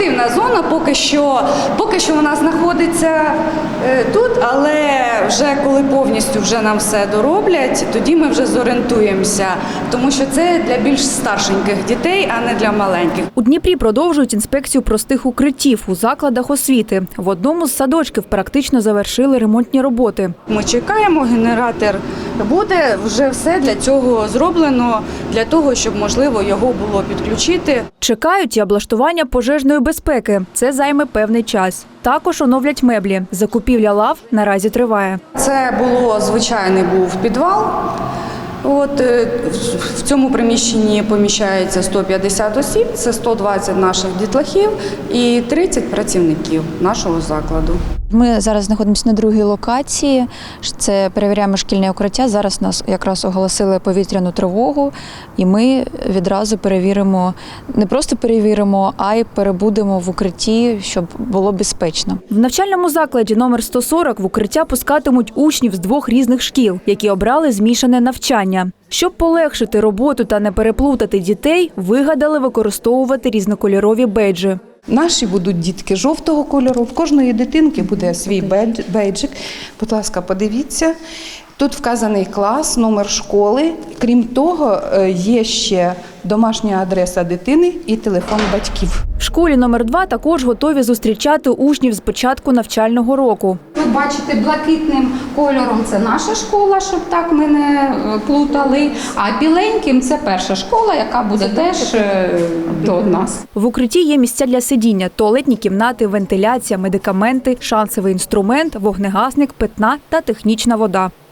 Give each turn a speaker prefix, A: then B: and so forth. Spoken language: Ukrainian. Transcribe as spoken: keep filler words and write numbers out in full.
A: активна зона, поки що, поки що вона знаходиться е, тут, але вже коли повністю вже нам все дороблять, тоді ми вже зорієнтуємося, тому що це для більш старшеньких дітей, а не для маленьких.
B: У Дніпрі продовжують інспекцію простих укриттів у закладах освіти. В одному з садочків практично завершили ремонтні роботи.
A: Ми чекаємо, генератор буде, вже все для цього зроблено, для того, щоб, можливо, його було підключити.
B: Чекають і облаштування пожежної безпеки. Це займе певний час. Також оновлять меблі. Закупівля лав наразі триває.
A: Це було звичайний був підвал. От е, в цьому приміщенні поміщається сто п'ятдесят осіб, це сто двадцять наших дітлахів і тридцять працівників нашого закладу.
C: Ми зараз знаходимося на другій локації, це перевіряємо шкільне укриття. Зараз нас якраз оголосили повітряну тривогу, і ми відразу перевіримо, не просто перевіримо, а й перебудемо в укритті, щоб було безпечно.
B: В навчальному закладі номер сто сорок в укриття пускатимуть учнів з двох різних шкіл, які обрали змішане навчання. Щоб полегшити роботу та не переплутати дітей, вигадали використовувати різнокольорові бейджі.
D: Наші будуть дітки жовтого кольору, в кожної дитинки буде свій бейджик. Будь ласка, подивіться. Тут вказаний клас, номер школи. Крім того, є ще домашня адреса дитини і телефон батьків.
B: В школі номер два також готові зустрічати учнів з початку навчального року.
E: Ви бачите, блакитним кольором – це наша школа, щоб так ми не плутали, а біленьким – це перша школа, яка буде теж до нас.
B: В укритті є місця для сидіння, туалетні кімнати, вентиляція, медикаменти, шансовий інструмент, вогнегасник, питна та технічна вода.